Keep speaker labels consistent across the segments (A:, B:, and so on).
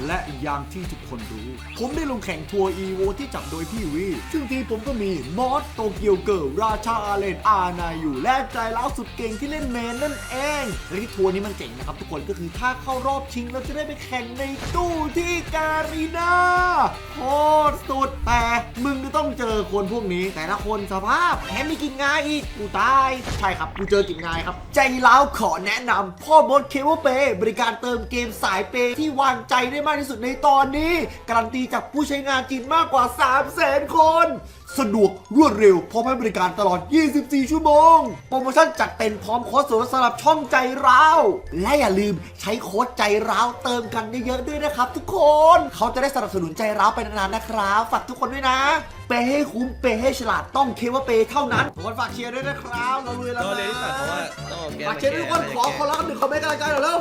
A: และอย่างที่ทุกคนรู้ผมได้ลงแข่งทัวร์อีโวที่จัดโดยพี่วีซึ่งทีมผมก็มีมอสโตเกียวเกิร์ลราชาอาเลนอานาอยู่และใจร้าวสุดเก่งที่เล่นเมนนั่นเองและที่ทัวร์นี้มันเจ๋งนะครับทุกคนก็คือถ้าเข้ารอบชิงเราจะได้ไปแข่งในตู้ที่การีนาโคตรสุดแต่มึงจะต้องเจอคนพวกนี้แต่ละคนสภาพแถมมีกินงายอีกกูตายใช่ครับกูเจอกินงายครับใจร้าวขอแนะนำพ่อบดเคเบิลเปย์บริการเติมเกมสายเปย์ที่วางใจได้มากที่สุดในตอนนี้การันตีจากผู้ใช้งานจริงมากกว่า 300,000 คนสะดวกรวดเร็วพร้อมให้บริการตลอด 24 ชั่วโมงโปรโมชั่นจัดเต็มพร้อมโค้ดส่วนลดสำหรับช่องใจร้าวและอย่าลืมใช้โค้ดใจร้าวเติมกันเยอะๆด้วยนะครับทุกคนเขาจะได้สนับสนุนใจร้าวไปนานๆนะครับฝากทุกคนด้วยนะเปย์ให้คุ้มเปย์ให้ฉลาดต้องเคว่าเปย์เท่านั้นทุกคนฝากเชียร์ด้วยนะครับเราเลยแล้วนะฝากเชียร์ด้วยทุกคนขอรับ1 คอมเมนต์กำลังใจหน่อยเร็ว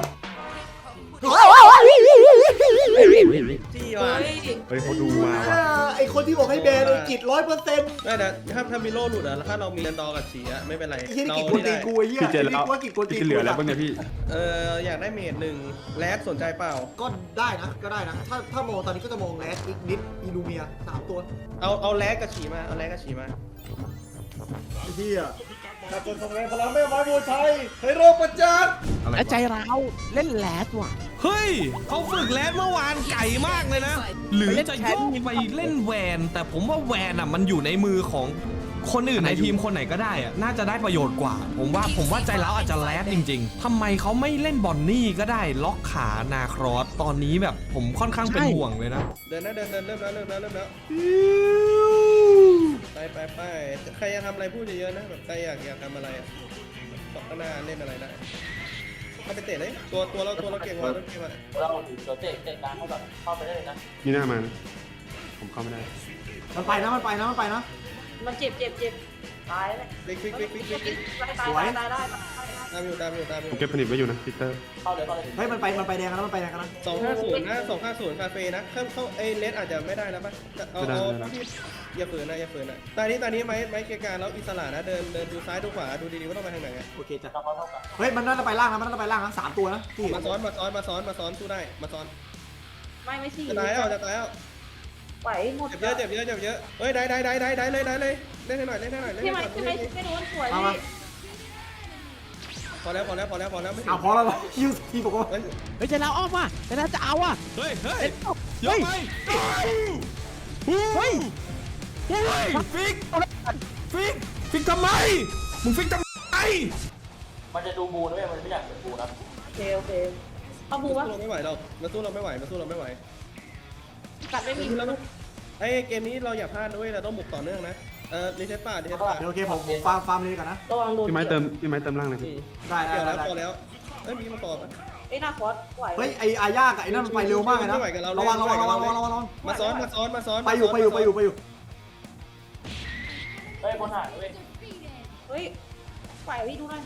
B: ที่ว่า
C: เฮ้ยเขาดูมาว่ะ
A: ไอคนที่บอกให้แบนกิจ100%
B: ไม่แต่ถ้ามีโล่หลุดอะแล้วถ้าเรามีเดนดอกับฉีอะไม่เป็นไร
A: ไอ้ที่กิจกวนตีกูไอ้เหี้ย
C: พี่เจนแล้ว
A: ว่ากิจกวนตี
C: พี่เหลือแล้วบ้างเนี่ยพี่
B: อยากได้เมด1แลดสนใจเปล่า
A: ก็ได้นะถ้ามองตอนนี้ก็จะมองแรดอีกนิดอิลูเมีย3 ตัว
B: เอาแลดกับฉีมาเอาแลดกับฉีมา
A: ไอ้เหี้ยถ้าคนทำงานพลังแม่ไม้มวยไทยให้โรคประจักษ์
D: และใจร้าวเล่นแลดว่ะ
E: เฮ้ยเขาฝึกแลนเมื่อวานไก่มากเลยนะ หรือจะโยกไปเล่นแวน แต่ผมว่าแวนอ่ะมันอยู่ในมือของคนอื่นในทีมคนไหนก็ได้อ่ะน่าจะได้ประโยชน์กว่า ผมว่าใจร้าวอาจจะแลดจริงๆทำไมเขาไม่เล่นบอนนี่ก็ได้ล็อกขานาครอสตอนนี้แบบผมค่อนข้างเป็นห่วงเลยนะ
B: เดินเริ่มแล้วไปใครจะทำอะไรพูดเยอะๆนะแบบใครอยากทำอะไรต่อข้างหน้าเล่นอะไรได้เข้าไปเตะเลยตัวเราเก่งกว่าเราเก่งกว่า
F: เราเดี๋ยวเตะกลางเข้าไปได้เลยนะ
C: นี่หน้ามานะผมเข้าไม่ได้
A: มันไปนะ
F: มันเจ็บตายเลย
B: ฟิก
F: ตายได้
B: ตามอยู่
C: ผมเก็บผนิตไว้อยู่นะพีเตอร์
F: เข้าเลย
A: เฮ้ยมันไปแดงกันนะ
B: 250นะ250คาเฟ่นะเข้าเลสอาจจะไม่ได้นะป่ะเอาพี่อย่าฝืนนะตอนนี้ไม้เกียร์การแล้วอิสระนะเดินดูซ้ายดูขวาดูดีๆว่าต้องไปทางไหน
A: โอเคจ้ะ
F: เราเท่ากัน
A: เฮ้ยมันน่าจะไปล่างนะ3 ตัวนะพี่
B: มาซ้อนสู้ได้มาซ้อน
F: ไม่สี่
B: จะตายแล้ว
F: ไหวหมด
B: เจ็บเยอะเฮ้ยได้เลยเล่นให้หน่อย
F: พี่ไม้ไม่โดนสวยพี่
B: พอแล้วไม่ถึง
A: เอาพอแล้วคิวทีบอกว่า
B: เฮ้ย
D: เฮ้ยใจร้าวออกมาใจร้าวจะเอาอ่ะ
E: เฮ้ย
D: เฮ้ย
E: ยกไปเฮ้ยฟิกทำไมมึงฟิกทำไม
F: มันจะดูบูนะมันไม่อยากเป็นบูนะโอเคเอาบูวะ
B: สู้เราไม่ไหวเราสู้เราไม่ไหว
F: กัดไม่มี
B: ไอ้เกมนี้เราอย่าพลาดด้วยเราต้องบุกต่อเนื่องนะรีเซ็ตป่า
A: โอเคผมฟาร์มเลยกันนะ
F: ระวังโดน
C: พี่ไม้เติมล่างเลยพี่
A: ได้
B: เกี่ยวแล้วพอแล้วเอ้ยมีมาต่อ
F: ไอ้หน้าคอสไหว
A: เฮ้ยไอ้อาญากับไอ้นั่นมันไปเร็วมากเลยนะระวัง
B: มาซ้อน
A: ไปอยู่
F: เฮ้ยคนหายเว้ยเฮ้ยไหวพี่ดูหน่อย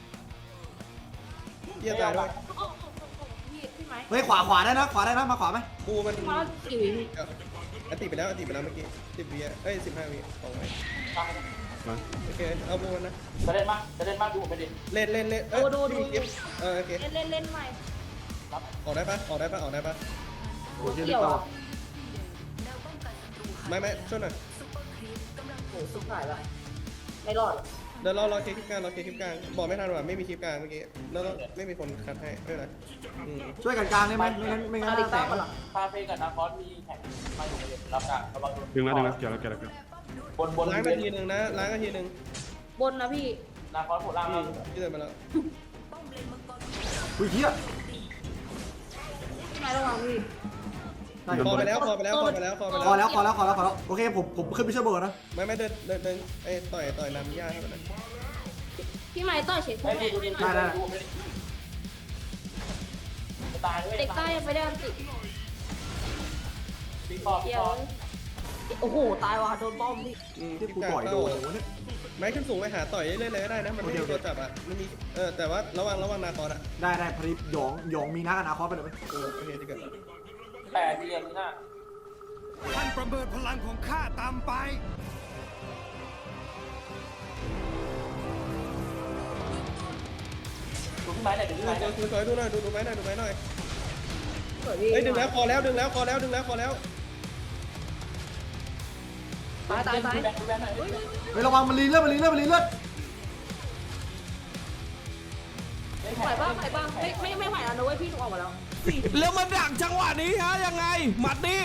B: เยี่ยมเลย
F: พี่ไม้
A: เฮ้ยขวาได้นะมาขวาไหม
B: บูมัน
F: มาสี่วิ
B: ติดไปแล้วเมื่อกี้10 วิเอ้ย15 วิ2 วิโอเคเอาบูมันนะ
F: จะเล่นมากดูไปดิ
B: เล่นโอเค
F: เล่นใหม่
B: ออกได้ปะ
A: โอเค
F: เกี่ยวอ่ะ
B: ไม่ช่วยหน่อย
F: โหสุดหายละไม่รอด
B: เดี๋ยวรอเคลิปกลางบอกไม่ทันว่าไม่มีคลิปกลางเมื่อกี้แล้วไม่มีคนคัดให้ไม่เป็นไร
A: ช่วยกันกลางได้ไหมไม่งั้นแตก
F: คาเฟ่กับนาคอสมีแข่งมาอยู่เลยรับการระวัง
C: ดึงแล้วเกี่ยวแล้ว
F: บน
B: ล้างกันทีนึงนะล้างกันทีนึง
F: บนนะพี่นาคอสโผล่ล่างแล้ว
B: ที่เดินมาแล้ว
A: อุ้ยเหี้ย
F: พี่ไม้ระวังพี่
B: พอไปแล้ว
A: พอแล้วโอเคผมขึ้นไปช่วยเบิร์ดนะ
B: ไม่เดินไอ้ต่อยน้ำยาให้มัน
F: พี่ไม้ต่อยเฉย
A: ได้
F: ตายเด็กใต้ยังไม่ได้อันติเกี่ยวโอ้โหตายว่ะโดนป้อมพี่
A: ที่กูต่อยโดนเนี่ย
B: ไม้ขึ้นสูงไปหาต่อยเรื่อยๆก็ได้นะมันไม่มีตัวจับอ่ะมันมีแต่ว่าระวังนาคอสอ่ะ
A: ได้พอดีหยองมีนักอนาคตไปเลยไหม
B: โอเคที่เกิด
F: แต่ที่เรียนนี่น่ะ
G: ท่านประเมินพลังของข้าตามไป
F: ดูพี่ไม้หน่อยดูพี่ไม้หน่อย
B: ดูไม้หน่อยเฮ้ยดึงแล้วคอแล้วดึงแล้วคอแล้วดึงแล้วคอแล้ว
F: ตายแบนหน่อย
A: เฮ้ยระวังมันรีเลือดมันรีเลือดมันรีเลือด
F: ไหวบ้างไม่ไหวแล้วนะเว้ยพี่หนูออกมาแล้ว
E: แล้วมันดักจังหวะนี้ฮะยังไงหมัดนี้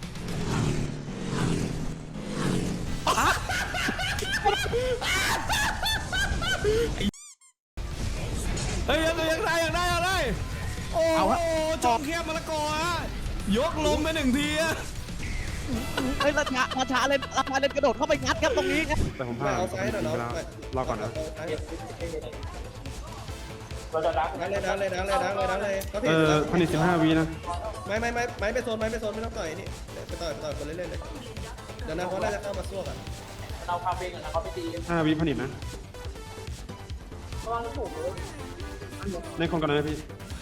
E: เฮ้ยยังได้โอ้โหจอมเขียบมะละกอฮะยกลงไป1 ทีอะ
D: เฮ้ยราชาเล่นกระโดดเข้าไปงัดครับตรงนี้ครับ
C: แต่ผมพลาด
B: เอาซ้ายหน่อยเนาะ
C: รอก่อนนะ
F: เราจะรัก
B: ดังเลยเขา
C: ผลิต15 วินะ
B: ไม่ไปโซนไม่ต้องต่อยนี่ไปต่อยคนเล่นๆเลยเดี๋ยวนะเขาน่าจะเข้ามาสู้กัน
F: เราคาเฟ่กันนะเขาไปตี
C: 5 วิผลิตนะ
F: ระวังถูกเลย
C: ในคนก่อนนะพี่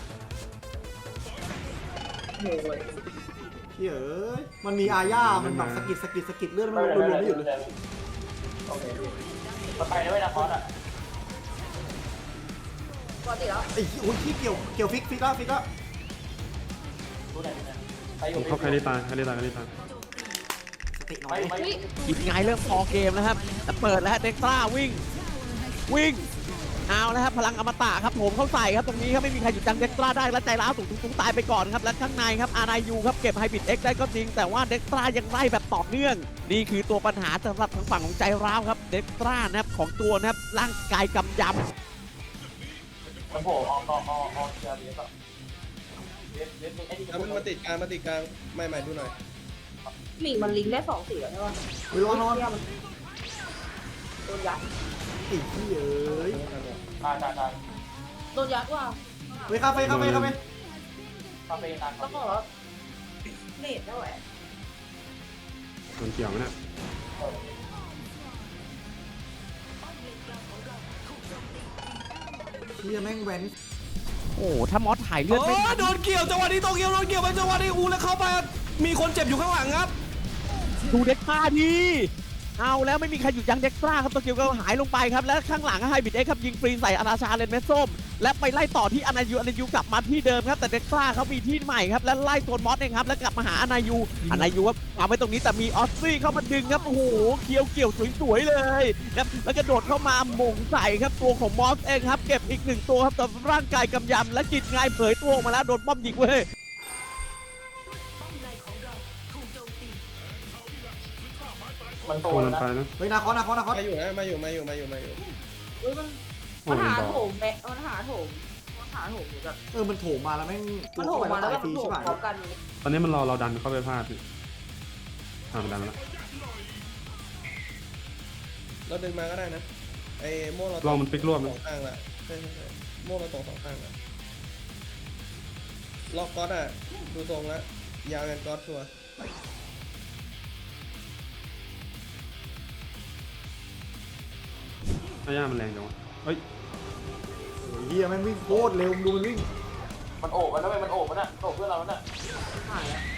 F: โอ้ย
A: เฮ้ยมันมีอาญามันแบบสะกิดเลือดมันรวมไม่หยุดเลย
F: โอเคพี่เราไปนะเว้ยนะคอสอ่ะปกติแล้ว
A: ไอ้โอ้ยที่เกี่ยวฟิกแล้ว
F: ดูไหนไปอ
C: ผ
F: ยู่
C: มเข้าใครได้ตาย
A: สติน้อย
F: ไม่
D: กินไงเริ่มพอเกมแล้วครับแต่เปิดแล้วเด็กซ่าวิ่งเอาแล้วครับพลังอมตะครับผมเข้าใส่ครับตรงนี้ครับไม่มีใครหยุดจังเด็กซ่าได้และใจร้าวสูงตายไปก่อนครับและข้างในครับอารายูครับเก็บไฮบิดเอ็กได้ก็จริงแต่ว่าเด็กซ่ายังไล่แบบต่อเนื่องนี่คือตัวปัญหาสำหรับทางฝั่งของใจร้าวครับเด็กซ่านะครับของตัวนะครับร่างกายกำยำ
F: มันโผล่ออกเชียร์เบียร์ก็เบียร์ไอ้นี่
B: แล้วมันมาติดกลางไม่ดูหน่อย
F: หลีมันลิงได้2 สีแล้วใช่ป่ะ
A: เฮ้ยระวังนอน
F: โดนยัด
A: ไอ้ที่เอ้ย
F: ตายโดนยัดว่ะ
A: เฮ้ยคาเฟ่
F: คาเฟ่นานต้องบอกว่าเนตได้ไหม
C: โดนเกี่ยวไหมเนี่ย
A: เฮียแม่งแวน
D: โอ้ถ้ามอสถ่ายเลือด
E: โอ้
D: ไม่ทัน
E: โดนเกี่ยวจังหวะนี้โตเกียวโดนเกี่ยวไปจังหวะนี้อูแล้วเข้าไปมีคนเจ็บอยู่ข้างหลังครับ
D: ดูเด็กซ่าดีเอาแล้วไม่มีใครหยุดยั้งเด็กซ่าครับตัวเกียวก็หายลงไปครับและข้างหลังไฮบิดเอ็กครับยิงฟรีใส่อาราชาเลนเมสส้มและไปไล่ต่อที่อนายูกลับมาที่เดิมครับแต่เด็กซ่าเขามีที่ใหม่ครับและไล่โซนมอสเองครับแล้วกลับมาหาอนายูครับวางไว้ตรงนี้แต่มีออสซี่เข้ามาดึงครับโอ้โหเกี่ยวสวยๆเลยครับแล้วกระโดดเข้ามาหม่งใส่ครับตัวของมอสเองครับเก็บอีก1 ตัวครับแต่ร่างกายกำยำและกิจงายเผยตัวออกมาแล้วโดนป้อมยิงเว้ย
F: มันโต
C: โดน
F: แล้ว
C: ไป
F: นะ
C: นะ
A: เฮ้ยนาคอส
B: มาอยู่
F: เฮ้ยมันหาโถมแบะมันหาโถมแบบ
A: มันโถมมาแล้วแม่ง
F: มันโถมมาแล้วแบบ
A: ฟรี
F: โถ
A: ใช่
F: ม
A: ไหม
F: พร้อมกัน
C: ตอนนี้มันเราดันเข้าไปพลาดพี่มันดันมาแล้ว
B: เราดึงมาก็ได้นะไอ้โม่เรา
C: ลองมันปิกรวบ
B: ส
C: นะ
B: องข้างละใช่โม่เราตรง2 ข้างละล็อกก๊อตอ่ะดูทรงแล้วยาวยันก๊อตชัวร์
C: อาย่ามันแรงจังวะเฮ้ย
A: เฮียแม่งวิ่งโคตรเร็วดูมันวิ่ง
F: มันโอบมันนะเว้ยมันโอบมันน่ะโอบเพื่อนเราน่ะหายแล้ว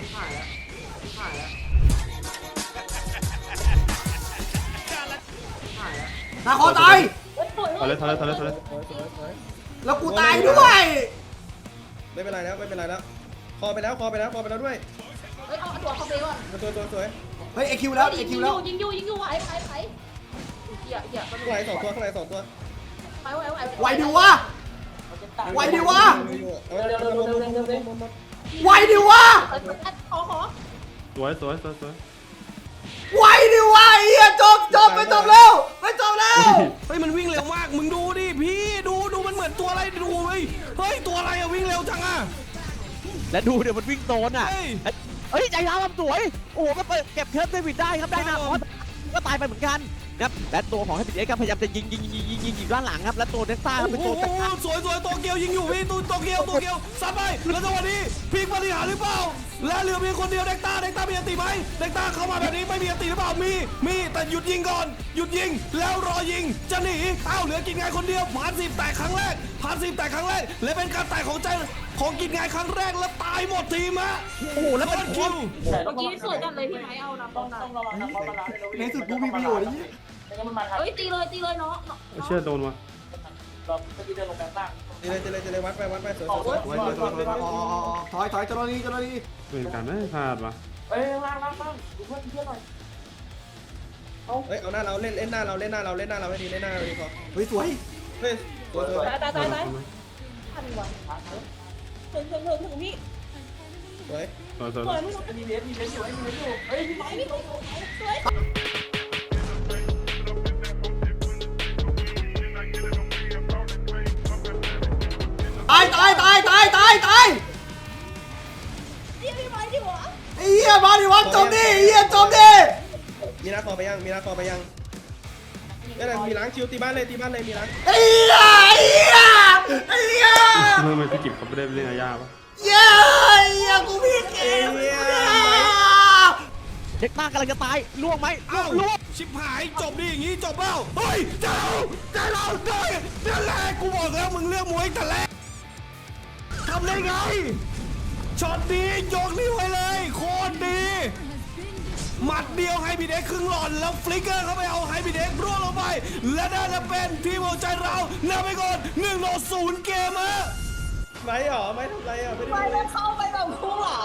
A: นาคอสตาย
C: ถอยเลย
B: สวย
A: แล้วกูตายด้วย
B: ไม่เป็นไรแล้วคอไปแล้วด้วย
F: เฮ้ยเอาตัวเขาไปก่อน
B: ตัวสวย
A: เฮ้ยไอคิวแล้ว
F: ยิงอยู่ไหวเหี้ย
B: ข้างใน2 ตัว
F: ไหว
A: ไหวดิวะ ไหวดิวะ
B: เร็ว
A: ไหวดิวะ
F: ขอ
C: สวย
A: ไหวดิวะเฮียจบไปจบแล้ว
E: เฮ้ยมันวิ่งเร็วมากมึงดูดิพี่ดูมันเหมือนตัวอะไรดูเฮ้ยตัวอะไรอะวิ่งเร็วจังอะ
D: และดูเดี๋ยวมันวิ่งโซนอ่ะ เฮ้ยใจร้าวทำสวย โอ้โหก็เก็บเคิร์ฟเดวิดได้ครับได้นะเพราะก็ตายไปเหมือนกันครับและตัวของไฮบิดเอ็กซ์ครับพยายามจะยิงด้านหลังครับและตัวเด็กซ่าครับเป็น
E: โอ้
D: ตัว
E: โหสวยโตเกียวยิงอยู่พี่โตเกียวซัดไปแล้วจังหวะนี้พีกปฏิหารหรือเปล่าและเหลือเพียงคนเดียวเด็กต้ามีอันติไหมเด็กต้าเข้ามาแบบนี้ไม่มีอันติหรือเปล่ามีแต่หยุดยิงก่อนหยุดยิงแล้วรอยิงจะหนีเหลือกินไงคนเดียวผ่าน10 แตกครั้งแรกและเป็นการแตกของกินไงครั้งแรกแล้วตายหมดทีมฮะ
D: โอ้โหแล้วเป็น
E: คิว
F: เมื่อกี้สวยกันเลยพี่ไม้เอานะต้องระวังนะเพราะมัน
A: ในสุดกูมีประโยชน์ไอ้เหี้ย
F: เฮ้ยตีเลยเนาะ
C: เชื่อโดนวะ
F: เราเมื่อกี้เดินลงแบบล่าง
B: จะเลยวัดไปสวย
A: ถอยเจ้าหน้าที่
C: เป็นการไม่พลาดวะ
F: เอ้ยล่างดูเพื่อนหน่อย
B: เฮ้ยเอาหน้าเราเล่นหน้าเราให้ดีพอ
A: เฮ้ยสวย
B: เฮ้ยสวย
F: ตายทันวะถึงพี่
B: สวย
C: สวย
F: สวยไม่ต้องมีเลสอยู่เฮ้ยพี่ไม้พี่ตรงสวย
A: ตาย
F: พี่ไม้ดิวะ
A: ไอ้เหี้ยมาดิวะจมดิจมดิ
B: มีนาคอไปยังนี่แหละมีล้างชิวตีบ้านเลยมีล้าง
A: ไอ้เหี้ย
C: เมื่อมันพี่กิบเขาไม่ได้เล่นอาญาปะ
A: เย้กูผิดเอง
D: เด็กต้ากำลังจะตายล่วงไหม
E: เอ้า
D: ล่วง
E: ชิบหายจบดิอย่างงี้จบเปล่าเฮ้ยเจ้านั่นแหละกูบอกแล้วมึงเลือกมวยแต่แรกทำได้ไงช็อตดียกนิ้วไว้เลยโคตรดีหมัดเดียวไฮบีเด็กครึ่งหลอดแล้วฟลิกเกอร์เข้าไปเอาไฮบีเด็กร่วงลงไป และน่าจะเป็นทีมหัวใจเรานำไปก่อน1-0เกมอะ
B: ไม่หรอไม่ทำไรอ่ะไม่ได้
F: ไม้มันเข้าไปแบบคู่เหลา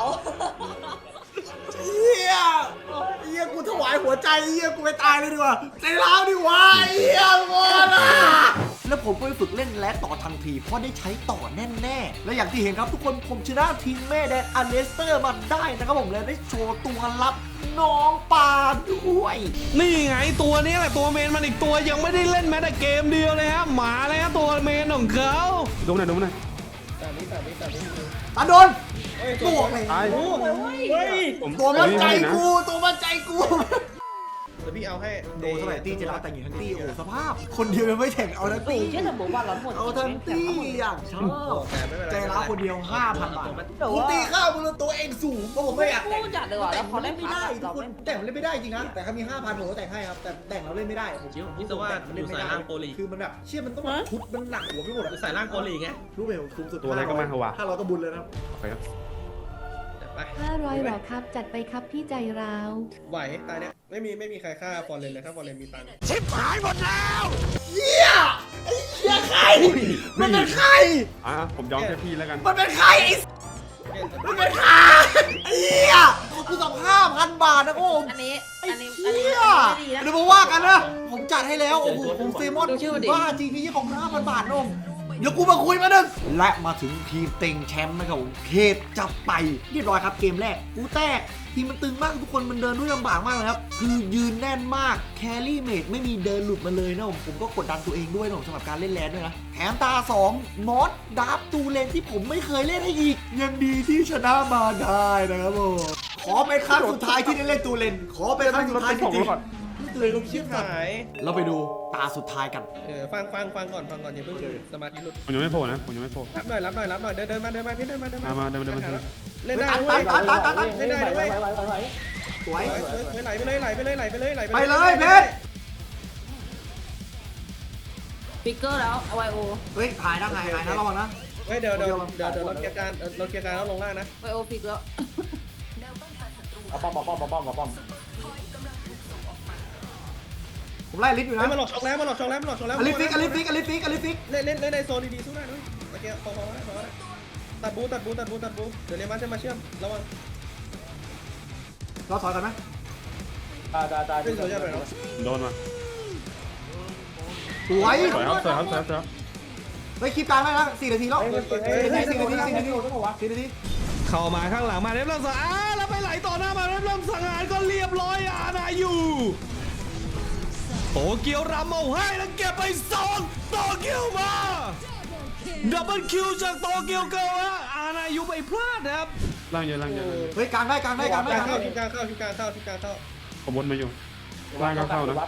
A: เหี้ยกูถวายหัวใจกูไปตายเลยดีกว่าใจร้าวดีกว่าโง่นะแล้วผมก็ไปฝึกเล่นแรดต่อทันทีเพราะได้ใช้ต่อแน่ๆและอย่างที่เห็นครับทุกคนผมชนะทีมแม่แดนอเลสเตอร์มาได้นะครับผมเลยได้โชว์ตัวลับน้องปลาด้วย
E: นี่ไงตัวนี้แหละตัวเมนมันอีกตัวยังไม่ได้เล่นแม้แต่เกมเดียวเลยฮะหมาเลยฮะตัวเมนของเขา
C: ดูหน่อย
B: แต่นี้
A: ตาโดน
B: เฮ้ย
A: ตัวไง
C: ตาย
B: เฮ้ย
C: ผม
A: ตัวมันใจ
C: นะ
A: กูตัวมันใจกู
B: เดี๋ยวพี่เอาให้
A: โดนเท่าไหร่ตีเจร้าแต่งหญิงทั้งตีโอ้สภาพ คนเดียวยังไม่แข่งเอาทั้ง
F: ตี
A: ตี
F: เชื่อสมบูรณ์ว่าเราหมด
A: เอาทั้งตีอย่างชอบ
B: แต่ไม่เป็นไร
A: ใจร้าวคนเดียว 5,000 บาท
F: แต่
A: กู
F: ว่า
A: ตีข้าวมึงตัวเองสูงเพราะผมไม่อยากแต่ง
F: คู่จัดเลยว่ะแล้วพอ
A: แต่ง
F: เล่น
A: ไม่ได้ทุก
F: เรา
A: คน
F: เล่น
A: แต่งมันเล่นไม่ได้จริงนะแต่เขามี 5,000ผมก็แต่งให้ครับแต่แต่งเราเล่นไม่ได้ผม
H: คิดว่า
A: มันเล่นไม่ได้
H: อยู่สายล่างโปรลีก
A: คือมันแบบเชื่อมันต้องชุดมันหนักหัวไปหมดอะ
H: ใส่ร่างโกลีไง
A: รู้ไหมผมสูงสุด
C: ตัวอะไรก็มาเหอะวะ
A: 500ก็บุญเลยนะ
C: โอเคครับ
B: ไป
I: 500หรอครับ จัดไปครับพี่ใจร้าว
B: ไหวตายเนี่ยไม่มีใครฆ่าฟอร์เรนเลยถ้าฟอร์เรนมีตังค์
E: ชิบหายหมดแล้ว
A: เหี้ยไอ้เหี้ยใครมันเป็นใคร
C: ผมยอมแค่พี่แล้วกัน
A: มันเป็นใครไอ้มันเป็นใครไอ้เหี้ยกูต้อง5,000 บาทนะโอ้ม
F: อันนี้
A: ไอ้
F: อันนี้
A: เหี้ย
F: ดีนะ
A: เดี๋ยวมาว่ากันนะ ผมจัดให้แล้ว โอ้โหผมเซมอน
F: ดูชื่อมันดิ
A: ว่าจริงพี่ของ 5,000 บาทนมเดี๋ยวกูมาคุยมาหนึ่งและมาถึงทีมเต็งแชมป์นะครับผมเขตจับไปเรียบร้อยครับเกมแรกกูแตกทีมมันตึงมากทุกคนมันเดินด้วยลำบากมากเลยครับคือยืนแน่นมากแครี่เมดไม่มีเดินหลุดมาเลยนะผมก็กดดันตัวเองด้วยนะผมสำหรับการเล่นแลนด้วยนะแถมตา2มอสดาร์ฟตูเลนที่ผมไม่เคยเล่นให้อีกยังดีที่ชนะมาได้นะครับผมขอเป็นครั้งสุดท้ายที่ได้เล่นตูเลนขอเป็นครั้งสุดท้ายจริงๆเลยก็คิด
B: หาย
A: เราไปดูตาสุดท้ายกัน
B: ฟังก่อนอย่าเพิ่งสมาธิหลุด
C: ผมยังไม่โผล่นะผมยังไม่โผล่
B: รับหน่อยเดินมาพี่เดินมา
C: มาเดิน
B: เล่นได้
A: ตั
B: เว้ย
A: ตัด
B: เล่นได้เว้ย
A: สวย
B: ไหลไปเลย
A: ไปเลยเพชร
F: ฟิกเกอร์แล้วเอาไวโอ
A: เฮ้ยหายนะระวังนะ
B: เฮ้ยเดี๋ยวรถเกียร์การแล้วลงล่างนะ
F: ไวโอฟิกแล้ว
A: ผมไล่ลิฟต์อยู่นะ
B: มาหลอกช็อกแล้ว
A: อลิฟิก
B: เล่นในโซนดีๆสู้ได้ด้วยโอเคพอได้ตัดบูเดี๋ยวเรียนมาเชื่อมระวัง
A: เราถอยกันไหม
B: เป็นโซนยังไงเนาะ
C: โดนมา
A: สวย
C: สวยครับ
A: ไปคลิปกลางได้แล้ว4 นาทีแล้ว4 นาที
E: เข้ามาข้างหลังมาเรียบร้อยแล้วไปไหลต่อหน้ามาเรียบร้อยสังหารก็เรียบร้อยนาอยู่โตเกียวรำเอาให้แล้วเก็บไป2โตเกียวมาดับเบิลคิวจากโตเกียวเกิร์ลนาอยู่ไปพลาดครับ
C: ล่างเยอะ
A: เฮ้ยกลางได้
B: เข้าทีมกลางเข้า
C: ผมวนมาอยู่ล่างก็เข้านะ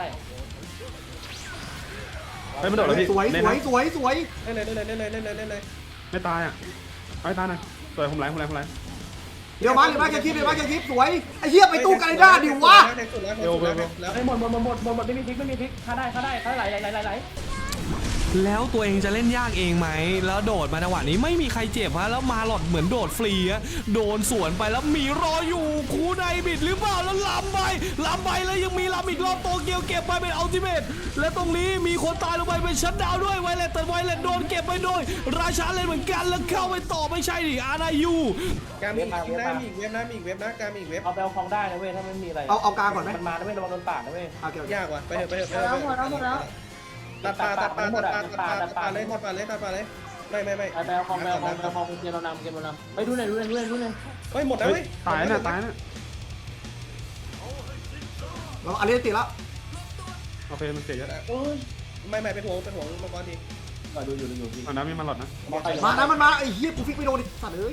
C: ไม่โดดเลยพี่
A: สวย
C: เล่นนะ
A: สวย
B: เล่นเลย
C: ไม่ตายอ่ะไม่ตายนะสวยผมไหล
A: เดี๋ยวมาแค่คลิปสวยไอ้เหี้ยไปตู้กันได้ดิวะ
B: แทงสุดแล้ว
F: หมดไม่มีพลิกถ้าได้ไหล
E: แล้วตัวเองจะเล่นยากเองไหมแล้วโดดมาจังหวะนี้ไม่มีใครเจ็บฮะแล้วมาหลอดเหมือนโดดฟรีฮะโดนสวนไปแล้วมีรออยู่คูไนบิดหรือเปล่าแล้วล้ำไปแล้วยังมีล้ำอีกรอบโตเกียวเก็บไปเป็นอัลติเมทและตรงนี้มีคนตายลงไปเป็นชัตดาวน์ด้วยไวเลตแต่ไวเลตโดนเก็บไปโดยราชาเลนเหมือนกันแล้วเข้าไปต่อไม่ใช่ดิอานายู
B: การมีอีกเว็บนะมีอีกเว็บนะมีอีกเว็บนะการมีอีกเว็บ
H: เอาไปเอาของได้นะเว้ยถ้าไม่มีอะไร
A: เอากลางก่อนไหม
H: มันมานะเว้ยระวังโดนปาดนะเว้ย
A: โอเคโอเค
B: ยากว่ะไปเถอะไปเถอะไป
F: หมด
B: เถ
F: แล้ว
B: อะ
F: หมดแล้ว
B: ตัดปลาเลยไม่
H: ไปเอาของเกมเรานำไปดูหน่อย
B: เฮ้ยหมดแล้วเว้ย
C: ตายนะ
A: เราอันนี้ติดแล้ว
C: โอเคมันเสียเยอะ
B: ไม่เป็นห่วงมังกรที
H: ดูอยู่พี่
C: อันนั้นมีมันหลอดนะ
A: มานะมันมาไอ้เหี้ยกูฟิกไม่โดนดิสัตว์เอ้ย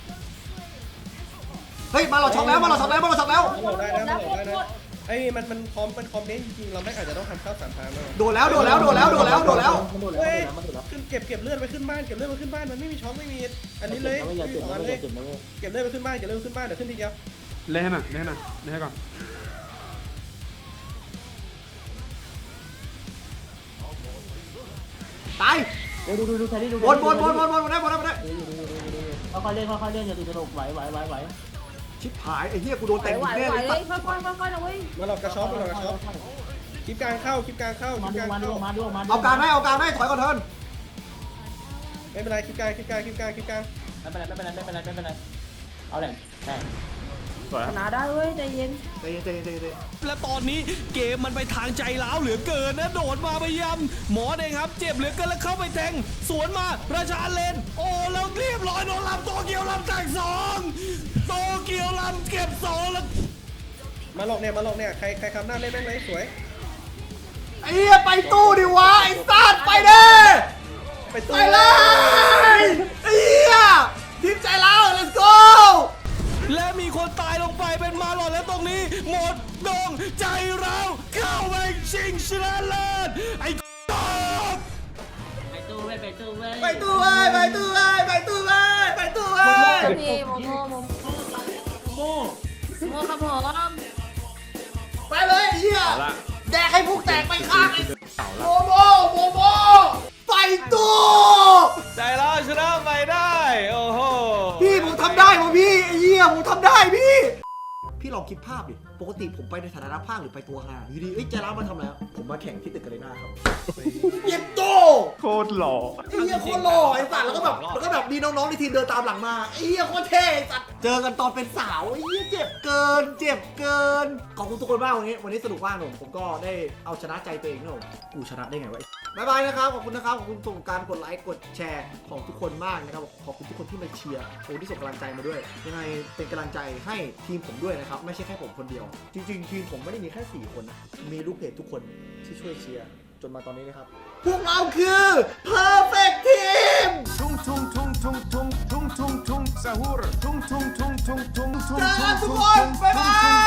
A: เฮ้ยมาเราช็อตแล้ว
B: ได้นะไอ้มันคอมเน้นจริงๆเราไม่อาจจะต้องทำข้าวสามทางเลย
A: โดนแล้ว
B: เฮ้ยขึ้นเก็บเลือดไปขึ้นบ้านมันไม่มีช็อคไม่มีอันนี้เลยเก็บเลือดไปขึ้นบ้านเดี๋ยวขึ้นทีเดียว
C: เล่นให้หน่อยเล่นให้ก่อน
A: ตาย
H: ดูแทนนี่ดู
A: บนได้
H: ค่อยเล่นอย่าตื่นตระหนกไหว
A: ชิบหายไอ้เหี้ยกูโดน
F: ไหว
A: เต็ม
F: ไหว
A: แน่
F: ไหว
A: เลย
F: เลยค่อยนะเว้ย
B: มาหลอกกระช็อปคลิปกลางเข้า
H: มาดู
A: เอากลางได้ถอยก่อนเถิน
B: ไม่เป็นไรคลิปกลาง
H: ไม่เป็นไรเอาแหล่งแหล่ง
C: สวยค
F: ช
C: รับ
F: นะได้เว้ยใจเย็น
A: ใจเย็น
E: และตอนนี้เกมมันไปทางใจร้าวเหลือเกินนะโดดมาพยายามหมอเองครับเจ็บเหลือเกินแล้วเข้าไปแทงสวนมาราชาเลนโอ้แล้วเรียบร้อยโดนลำโตเกียวลำแตก2โตเกียวลำเก็บ2แล้ว
B: มาหลอกเนี่ยใครคำหน้าเล่นแม่งเลยสวย
A: ไอ้เหี้ยไปตู้ดิวะไอ้สัตว์ไปเด้
B: ไปตู้
A: ไปเลยไอ้เหี้ยทีมใจเรา let's go
E: และมีคนตายลงไปเป็นมาหลอดและตรงนี้หมดดงใจเราเข้าไปชิงชนะเลิศไอ้ตบ
H: ไปตู้เว้ย
A: ไปตู้เว้ยพี่
F: โมครับผม
A: ไปเลยไอ้เหี้ยแดกให้พวกแตกไปข้างไอ้โมไปตู้
E: ใจเราชนะไปได้โอ้โห
A: พี่ผมทำได้วะพี่ไอ้เหี้ยผมทำได้พี่ลองคิดภาพดิปกติผมไปในฐานะนักพากย์หรือไปตัวห่างอยู่ดีใจร้าวมาทำแล้วผมมาแข่งที่ตึกกาเรน่าครับเย็บโต
C: โคตรหล่อ
A: ไอ้เหี้ยโคตรหล่อไอ้สัตว์แล้วก็แบบมีน้องๆในทีมเดินตามหลังมาไอ้เหี้ยโคตรเท่ไอ้สัตว์เจอกันตอนเป็นสาวไอ้เหี้ยเจ็บเกินขอบคุณทุกคนมากวันนี้สนุกมากผมก็ได้เอาชนะใจตัวเองนะผมกูชนะได้ไงวะบ๊ายบายนะครับขอบคุณนะครับขอบคุณส่งการกดไลค์กดแชร์ของทุกคนมากนะครับขอบคุณทุกคนที่มาเชียร์โอ้ที่ส่งกำลังใจมาด้วยยังไงเป็นกำลังใจให้ทีมผมด้วยนะครับไม่ใช่แค่ผมคนเดียวจริงๆทีมผมไม่ได้มีแค่4คนนะมีลูกเพจทุกคนที่ช่วยเชียร์จนมาตอนนี้นะครับพวกเราคือ perfect team เจอกันทุกคนบ๊ายบาย